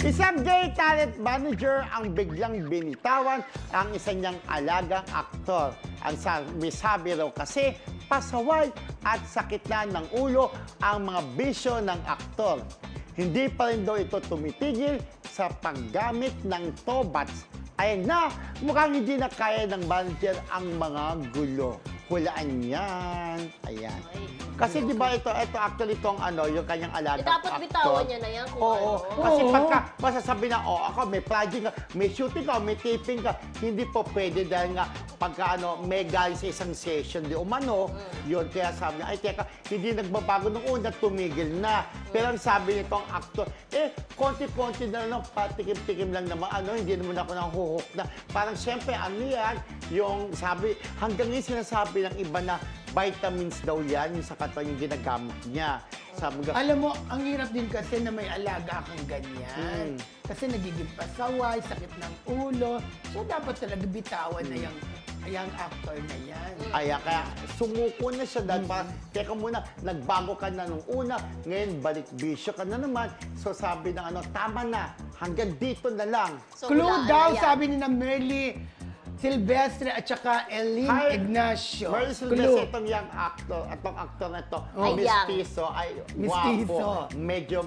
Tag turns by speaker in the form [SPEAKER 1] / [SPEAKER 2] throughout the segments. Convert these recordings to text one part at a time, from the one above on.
[SPEAKER 1] Isang gay talent manager ang biglang binitawan ang isa niyang alagang aktor. Ang sabi raw kasi, pasaway at sakit na ng ulo ang mga bisyo ng aktor. Hindi pa rin daw ito tumitigil sa paggamit ng tobats. Ayan na, mukhang hindi na kaya ng manager ang mga gulo. Hulaan yan. Ayan. Kasi di ba ito actually itong yung kanyang alagang
[SPEAKER 2] dapat
[SPEAKER 1] actor.
[SPEAKER 2] bitawan niya na yan kung
[SPEAKER 1] Oo.
[SPEAKER 2] ano.
[SPEAKER 1] Kasi pagka masasabi na, ako may project ka, may shooting ka, may taping ka, hindi po pwede dahil nga pagka may galing sa isang session di umano, yun. Kaya sabi niya, ay teka, hindi nagbabago nung una, tumigil na. Pero ang sabi nitong actor, konti-konti na lang, patikim-tikim lang naman, hindi naman ako nahuhok na. Parang siyempre, yan, yung sabi, hanggang ngayon sinasabi ng iba na vitamins daw yan, yung sa katawan yung ginagamit niya. Sabi nga,
[SPEAKER 3] Alam mo, ang hirap din kasi na may alaga kang ganyan. Kasi nagiging pasaway, sakit ng ulo. So, dapat talaga bitawan na yung actor na yan.
[SPEAKER 1] kaya sumuko na siya dahil parang, teka muna, nagbago ka na nung una, ngayon balik bisyo ka na naman. So sabi ng tama na, hanggang dito na lang.
[SPEAKER 2] So,
[SPEAKER 3] Clue
[SPEAKER 2] hulaan
[SPEAKER 3] daw,
[SPEAKER 2] na yan.
[SPEAKER 3] sabi ni na Merly Silvestre at saka Eileen Ignacio.
[SPEAKER 1] Merly Silvestre, itong young actor, atong actor na ito,
[SPEAKER 2] Ay,
[SPEAKER 1] mistizo, ay
[SPEAKER 3] Mistizo.
[SPEAKER 1] guwapo, medyo,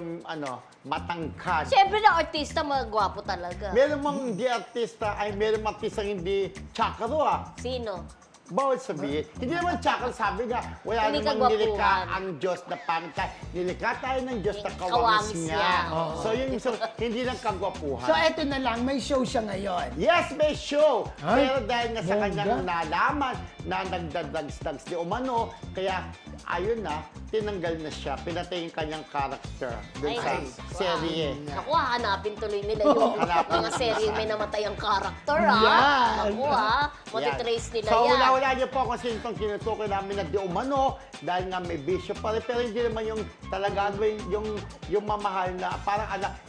[SPEAKER 1] matangkad.
[SPEAKER 2] Siyempre na artista, magwapo talaga.
[SPEAKER 1] Meron mong hindi artista, meron mong artista hindi tsakaro
[SPEAKER 2] Sino?
[SPEAKER 1] Bawal sabihin. Hindi naman tsaka sabi nga, wala
[SPEAKER 2] Hindi
[SPEAKER 1] namang
[SPEAKER 2] kagwapuhan.
[SPEAKER 1] nilikha ang Diyos na pangkay. Nilikha tayo ng Diyos na
[SPEAKER 2] Kawamis
[SPEAKER 1] kawamis niya.
[SPEAKER 2] niya.
[SPEAKER 1] So yun, hindi lang kagwapuhan.
[SPEAKER 3] So, eto na lang, may show siya ngayon.
[SPEAKER 1] Yes, may show!
[SPEAKER 3] Ay,
[SPEAKER 1] Pero dahil nga sa
[SPEAKER 3] bongga.
[SPEAKER 1] kanyang nalaman na nagdadags-dags di umano, kaya ayun na, tinanggal na siya. Pinatay yung kanyang character dun sa serye.
[SPEAKER 2] Naku, hanapin tuloy nila yung
[SPEAKER 1] Hanapin
[SPEAKER 2] mga
[SPEAKER 1] nila.
[SPEAKER 2] serye may namatayang character,
[SPEAKER 3] Yan.
[SPEAKER 2] Naku, matitrace nila
[SPEAKER 1] So,
[SPEAKER 2] yan.
[SPEAKER 1] wala niyo po kung sino itong tinutukoy namin na di umano dahil nga may bisyo pa rin. Pero hindi naman yung talaga yung mamahal na parang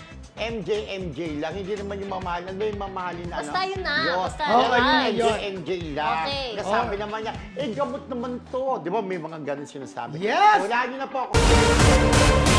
[SPEAKER 1] MJ lang. Hindi naman yung mamahal. Ano yung mamahalin na
[SPEAKER 2] Basta yun na.
[SPEAKER 1] Yun.
[SPEAKER 2] Basta
[SPEAKER 1] Pero
[SPEAKER 3] yun.
[SPEAKER 1] yung MJ lang.
[SPEAKER 2] Okay.
[SPEAKER 1] Nasabi naman niya, gamot naman to. Di ba may mga ganun sinasabi?
[SPEAKER 3] Yes!
[SPEAKER 1] Wala niyo na po.